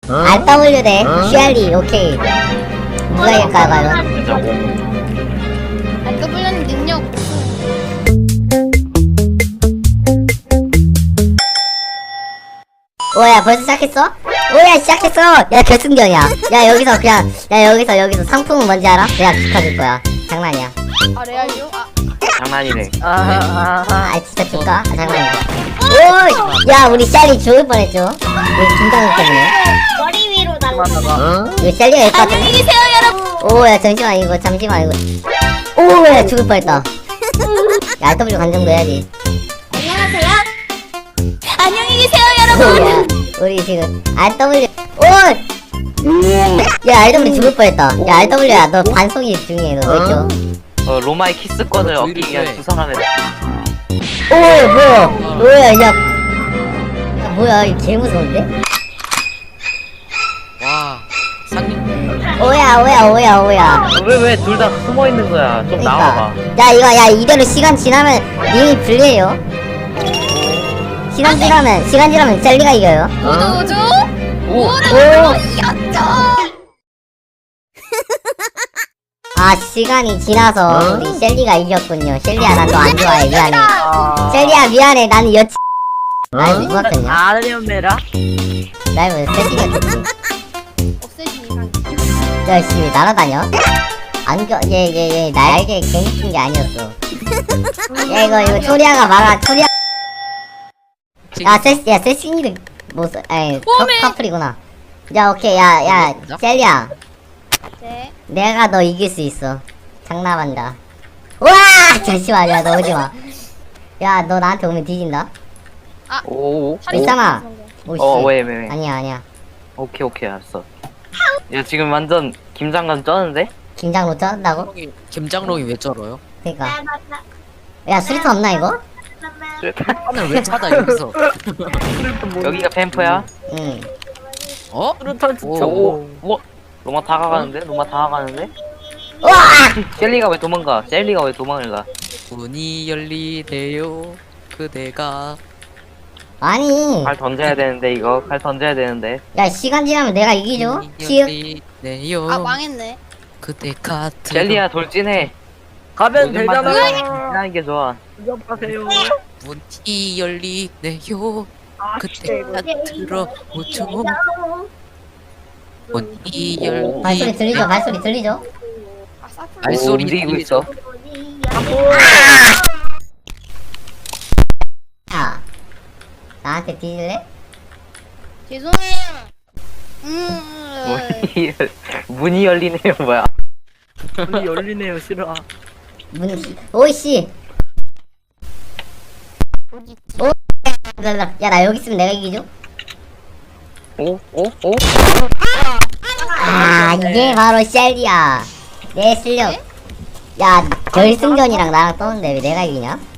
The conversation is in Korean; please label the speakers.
Speaker 1: RW 대 쉘리. 오케이. 누가 이길까요 과연?
Speaker 2: 진짜고.
Speaker 3: RW는 능력.
Speaker 1: 오야 벌써 시작했어? 오야 시작했어. 야 결승전이야. 야 여기서 그냥 여기서 상품은 뭔지 알아? 내가 지켜줄 거야. 장난이야.
Speaker 3: 아 레알요? 아
Speaker 2: 장난이네.
Speaker 1: 아 진짜 줄까? 아 장난이야. 오! 야 우리 샬리 죽을 뻔했죠? 우리 김장국 때문에.
Speaker 4: 머리 위로 날라가.
Speaker 1: 우리 샬리가 일것 같은데.
Speaker 3: 안녕히 계세요 여러분.
Speaker 1: 오야 잠시만 이거 오야 죽을 뻔했다. 야 RW 관정도 해야지.
Speaker 4: 안녕하세요.
Speaker 3: 안녕히 계세요 여러분.
Speaker 1: 오야 우리 지금 RW 야 RW 죽을 뻔했다. 야 RW야 너 반송이 중요해. 너 왜죠?
Speaker 2: 로마의 키스권을 얻기 위한 두 사람의
Speaker 1: 오 뭐야 야 뭐야 이거 개 무서운데?
Speaker 5: 와 상님
Speaker 1: 오야
Speaker 2: 왜 둘 다 숨어 있는 거야? 좀 나와봐.
Speaker 1: 야 이거 야 이대로 시간 지나면 님이 불리해요. 시간 지나면 젤리가 이겨요.
Speaker 3: 오죠?
Speaker 1: 오. 아 시간이 지나서 우리 셀리가 이겼군요. 셀리야 난 너 안 좋아해. 미안해. 셀리야 미안해. 나는 여친 날 누웠거든요.
Speaker 2: 아련메라?
Speaker 1: 날 세팅을 됐지.
Speaker 3: 없애진 이상.
Speaker 1: 열심히 날아다녀. 안겨 얘 날개 괜히 낀 게 아니었어. 야 이거 초리아가 말아. 초리아 야 세싱이를 못써. 에이 커플이구나. 야 오케이 야 셀리야.
Speaker 3: 네.
Speaker 1: 내가 너 이길 수 있어. 장난한다. 와 잠시만 야 너 오지마. 야 너 나한테 오면 뒤진다.
Speaker 2: 오.
Speaker 1: 있잖아. 오씨.
Speaker 2: 왜?
Speaker 1: 아니야.
Speaker 2: 오케이, 알았어. 야, 지금 완전 김장관 쩌는데?
Speaker 1: 김장 못 짠다고?
Speaker 5: 김장롱이 왜 쩔어요?
Speaker 1: 그니까. 야 수리탄 없나 이거?
Speaker 5: 하늘 왜 찾아 여기서?
Speaker 2: 여기가 캠프야?
Speaker 1: 응.
Speaker 5: 어?
Speaker 2: 오. 로마 다가가는데?
Speaker 1: 와!
Speaker 2: 젤리가 왜 도망을 가?
Speaker 5: 문이 열리네요. 그대가
Speaker 1: 아니.
Speaker 2: 칼 던져야 되는데.
Speaker 1: 야 시간 지나면 내가 이기죠?
Speaker 5: 문이
Speaker 1: 치읓.
Speaker 5: 열리네요.
Speaker 3: 아 망했네.
Speaker 5: 그대가
Speaker 2: 젤리야 돌진해.
Speaker 6: 가면 되잖아.
Speaker 2: 하는 게 좋아.
Speaker 6: 하세요.
Speaker 5: 문이 열리네요. 그대가 들어오죠. 문이 열.
Speaker 1: 발소리 들리죠?
Speaker 3: 아 사플.
Speaker 5: 알소리
Speaker 2: 움직이고 있어.
Speaker 1: 야 나한테 뒤질래?
Speaker 3: 죄송해요.
Speaker 2: 문이 열리네요 뭐야?
Speaker 6: 문이 열리네요. 싫어.
Speaker 1: 오이씨. 야 나 여기 있으면 내가 이기죠?
Speaker 2: 오?
Speaker 1: 아 이게 바로 셀리야. 내 실력. 야 결승전이랑 나랑 떠는데 왜 내가 이기냐?